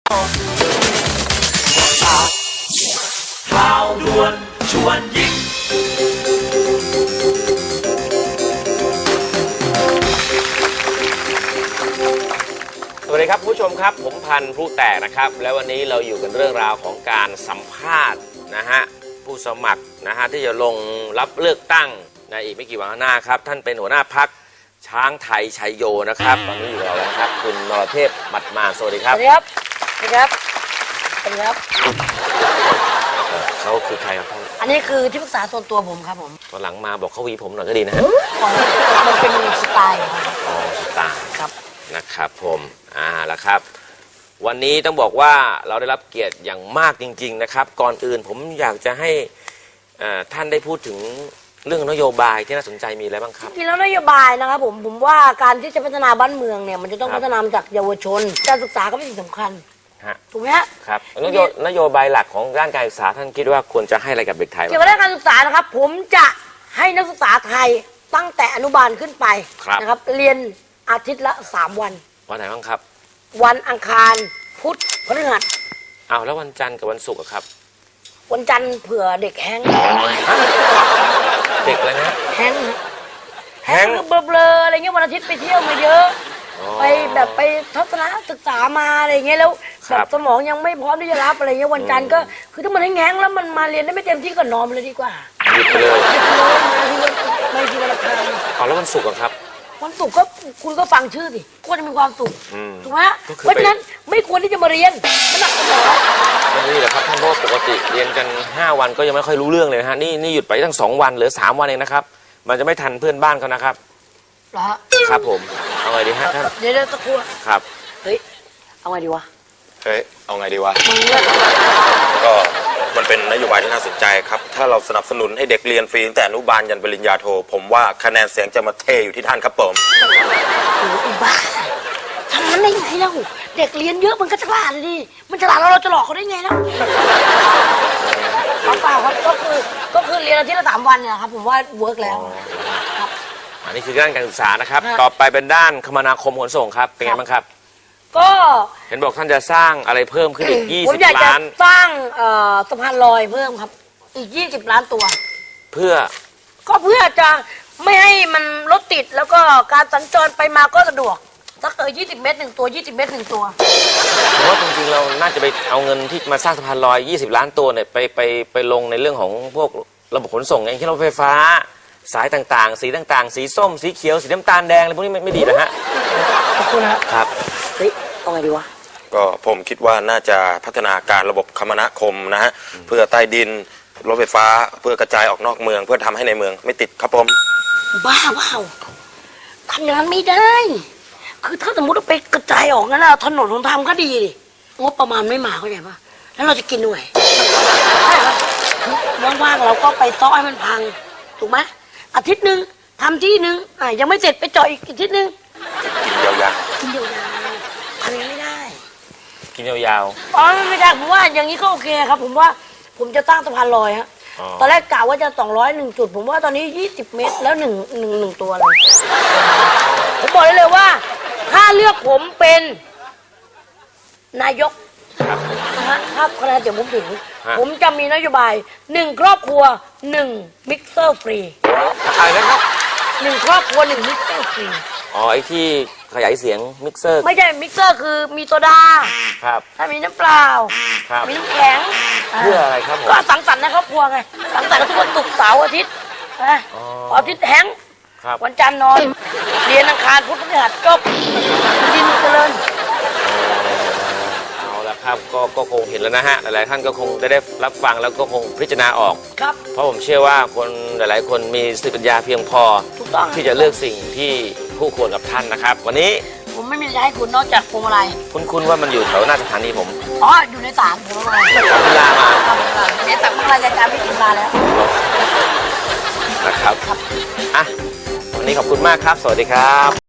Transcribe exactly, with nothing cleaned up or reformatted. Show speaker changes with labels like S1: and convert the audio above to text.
S1: ข่าวด่วนชวนยิ้มสวัสดีครับผู้ชมครับผมพันธุ์ผู้แตกนะครับแล้ววันนี้เราอยู่กันเรื่องราวของการสัมภาษณ์นะฮะผู้สมัครนะฮะที่จะลงรับเลือกตั้งในอีกไม่กี่วันข้างหน้าครับท่านเป็นหัวหน้าพรรคช้างไทยชัยโยนะครับตอนนี้อยู่กับเราแล้วครับคุณนรเทพหมัดมาสวัสดีครับ
S2: สวัสดีครับสวัสดีครับสวัสดีครับ
S1: เขาคือใครครับท่าน
S2: อันนี้คือที่ปรึกษาส่วนตัวผมครับผม
S1: ตอนหลังมาบอกเขาวีผมหน่อยก็ดีนะฮะ
S2: มันเป็นสไตล์
S1: อ๋อสไตล์
S2: ครับ
S1: นะครับผมอ่าแล้วครับวันนี้ต้องบอกว่าเราได้รับเกียรติอย่างมากจริงๆนะครับก่อนอื่นผมอยากจะให้ท่านได้พูดถึงเรื่องนโยบายที่น่าสนใจมีอะไรบ้างครับ
S2: จริงแล้วนโยบายนะครับผมผมว่าการที่จะพัฒนาบ้านเมืองเนี่ยมันจะต้องพัฒนาจากเยาวชนการศึกษาก็เป็นสิ่งสำคัญถูกไหมฮะ
S1: ครับนโยนโยบายหลักของด้านการศึกษาท่านคิดว่าควรจะให้อะไรกับเด็กไทย
S2: เกี่ยวกับด้านการศึกษานะครับผมจะให้นักศึกษาไทยตั้งแต่อนุบาลขึ้นไปนะครับเรียนอาทิตย์ละสามวัน
S1: วันไหนบ้างครับ
S2: วันอังคารพุธพฤหัส
S1: อ้าวแล้ววันจันทร์กับวันศุกร์ครับ
S2: วันจันทร์เผื่อเด็กแห้ง
S1: เด็กอะไรนะ
S2: แห้งแห้งเบลอๆอะไรเงี้ยวันอาทิตย์ไปเที่ยวมาเยอะไปแบบไปทัศนศึกษามาอะไรเงี้ยแล้วแบบสมองยังไม่พร้อมที่จะรับอะไรเงี้ยวันจันทร์ก็คือถ้ามันแห้งๆแล้วมันมาเรียนได้ไม่เต็มที่ก็นอนเลยดีกว่า
S1: หยุดไปเลย
S2: ไม่ทีวันละครั้ง
S1: อ๋อแล้ววันศุกร์ครับ
S2: วันศุกร์ก็คุณก็ฟังชื่อสิควรจะมีความสุขถูกไหมเพราะฉะนั้นไม่ควรที่จะมาเรียนมันหนักสมอง
S1: ไม่นี่แหละครับท่านเพราะปกติเรียนกันห้าวันก็ยังไม่ค่อยรู้เรื่องเลยนะฮะนี่นี่หยุดไปตั้งสองวันเหลือสามวันเองนะครับมันจะไม่ทันเพื่อนบ้านเขานะครับ
S2: เหรอ
S1: ครับผมเอาไงดีฮะท่าน
S2: เดี๋ยวเดี๋ยวตะครู่
S1: ครับ
S2: เฮ้ยเอาไงดีวะ
S3: เฮ้ยเอาไงดีวะก็มันเป็นนโยบายที่น่าสนใจครับถ้าเราสนับสนุนให้เด็กเรียนฟรีตั้งแต่อนุบาลยันปริญญาโทผมว่าคะแนนเสียงจะมาเทอยู่ที่ท่านครับผม
S2: โอ้ยบ้าทำนั้นได้ไงเล่าเด็กเรียนเยอะมันก็ฉลาดเลยดิมันฉลาดแล้วเราจะหลอกเขาได้ไงล่ะเปล่าครับก็คือก็คือเรียนอาทิตย์ละสามวันเนี่ยครับผมว่าเวิร์กแล้วครับ
S1: อันนี้คือด้านการศึกษานะครับต่อไปเป็นด้านคมนาคมขนส่งครับเป็นไงบ้างครับ
S2: ก็
S1: เห็นบอกท่านจะสร้างอะไรเพิ่มขึ้นอีกยี่สิบล้านผมอยากจะ
S2: สร้างสะพานลอยเพิ่มครับอีกยี่สิบล้านตัว
S1: เพื่อ
S2: ก็เพื่อจะไม่ให้มันรถติดแล้วก็การสัญจรไปมาก็สะดวกสักเออยี่สิบเมตรหนึ่งตัวยี่สิบเมตรหนึ่งตัว
S1: ผมว่าจริงๆเราน่าจะไปเอาเงินที่มาสร้างสะพานลอยยี่สิบล้านตัวเนี่ยไปไปไปลงในเรื่องของพวกระบบขนส่งอย่างเช่นรถไฟฟ้าสายต่างๆสีต่างๆสีส้มสีเขียวสีน้ำตาลแดงอะไรพวกนี้ไม่ดีนะฮะ
S2: ขอบคุณนะครับเฮ้ยเอาไงดีวะ
S3: ก็ผมคิดว่าน่าจะพัฒนาการระบบคมนาคมนะฮะเพื่อใต้ดินรถไฟฟ้าเพื่อกระจายออกนอกเมืองเพื่อทำให้ในเมืองไม่ติดครับผม
S2: บ้าว้าวทำอย่างนั้นไม่ได้คือถ้าสมมติเราไปกระจายออกนั่นแหละถนนหนทางก็ดีดิงบประมาณไม่มาเข้าใจปะแล้วเราจะกินด้วยใช่ครับว่างๆเราก็ไปซ้อให้มันพังถูกไหมอาทิตย์หนึ่งทำที่หนึ่งอ่ะยังไม่เสร็จไปเจาะอีกอาทิตย์หนึ่ง
S3: กินยาว
S2: ๆกินยาวๆทำยังไม่ได้
S1: กินยาว
S2: ๆอ๋อไม่ได้ผมว่าอย่างนี้ก็โอเคครับผมว่าผมจะตั้งสะพานลอยฮะตอนแรกกะว่าจะสองร้อยหนึ่งจุดผมว่าตอนนี้ยี่สิบเมตรแล้วหนึ่งหนึ่งหนึ่งตัวเลยผมบอกได้เลยว่าถ้าเลือกผมเป็นนายกนะฮะถ้าคะแนนเสียงผมถึงผมจะมีนโยบายหนึ่งครอบครัวหนึ่งมิกเซอร์ฟรี
S1: อะไรนะครับ
S2: หนึ่งครอบครัวหนึ่งมิกเซอร์ฟรี
S1: อ๋อไอ้ที่ขยายเสียงมิกเซอร์
S2: ไม่ใช่มิกเซอร์คือมีโซดา
S1: ครับ
S2: ถ้ามีน้ำเปล่ามีน้ำแข็ง
S1: เพื่ออะไรครับผม
S2: ก็สังสรรค์ในครอบครัวไงสังสรรค์ทุกวันศุกร์เสาร์อาทิตย์นะอาทิตย์แห้งวันจันทร์นอนเรียนอังคารพุธพฤหัสจบดินเจริญ
S1: เอาละครับก็ก็คงเห็นแล้วนะฮะหลายๆท่านก็คงได้ได้รับฟังแล้วก็คงพิจารณาออก
S2: ครับ
S1: เพราะผมเชื่อว่าคนหลายๆคนมีสติปัญญาเพียงพอที่จะเลือกสิ่งที่คู่ควรกับท่านนะครับวันนี้
S2: ผมไม่มีอะไรให้คุณนอกจากพวงมาลัย
S1: คุ้นๆว่ามันอยู่แถวหน้าสถานีผม
S2: อ๋ออยู่ในศาลผมมา
S1: เวลามา
S2: เดี๋ยวสั่งพวงมาลัยการไม่ถึงเวลาแล้ว
S1: นะครับอ่ะวันนี้ขอบคุณมากครับสวัสดีครับ